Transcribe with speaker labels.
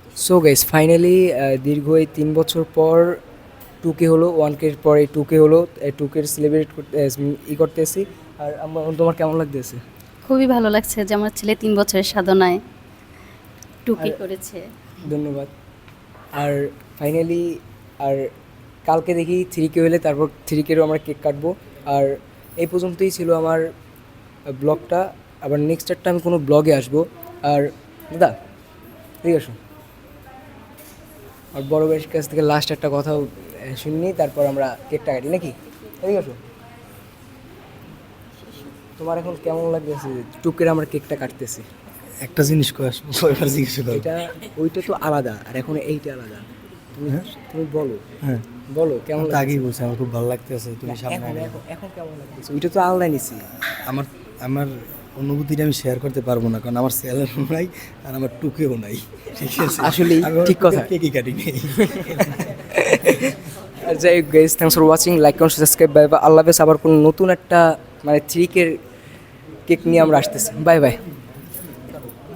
Speaker 1: So guys finally দীর্ঘ এই 3 বছর পর 2K হলো, 1K এর পরে 2K হলো, 2K সেলিব্রেট করতে করতেছি। আর তোমার কেমন লাগতেছে?
Speaker 2: খুবই ভালো লাগছে যে আমার ছেলে 3 বছরের সাধনায় টুকি
Speaker 1: আর
Speaker 2: করেছে।
Speaker 1: ধন্যবাদ। আর ফাইনালি আর কালকে দেখি 3K হলে তারপর 3K-রও আমরা কেক কাটবো। আর এই পর্যন্তই ছিল আমার ব্লগটা। আবার নেক্সট একটা আমি কোনো ব্লগে আসবো। আর দাদা ঠিক আছে, আর বড় ভাইয়ের কাছ থেকে লাস্ট একটা কথাও শুনি, তারপর আমরা কেকটা কাটি নাকি? ঠিক আছে, তোমার এখন কেমন লাগতেছে টুকের আমরা কেকটা কাটতেছি?
Speaker 3: একটা জিনিস কই আসবো এবার জিজ্ঞেস করো।
Speaker 1: এটা ওইটা তো আলাদা, আর এখন এইটা আলাদা। তুমি
Speaker 3: হ্যাঁ
Speaker 1: তুমি বলো,
Speaker 3: হ্যাঁ,
Speaker 1: বলো কেমন
Speaker 3: আমি তো আগেই
Speaker 1: লাগতেছে?
Speaker 3: বলছি আমার খুব ভালো লাগতেছে তুমি সামনে
Speaker 1: এখন
Speaker 3: আগে।
Speaker 1: এখন এখন কেমন লাগতেছে? ওইটা তো আলাদা নিছি।
Speaker 3: আমার আমার অনুভূতিটা আমি শেয়ার করতে পারবো না, কারণ আমার স্যালারও নাই আর আমার টুকেও নাই, ঠিক আছে?
Speaker 1: আসলেই
Speaker 3: আমি আমার
Speaker 1: ঠিক কথা।
Speaker 3: কেকই কাটি নেই।
Speaker 1: আর যাই হোক guys, thanks for watching, like comment subscribe, bye bye, আল্লাহ হাফেজ। আবার কোনো নতুন একটা মানে 3K কেক নিয়ে আমরা আসতেছি। Bye by.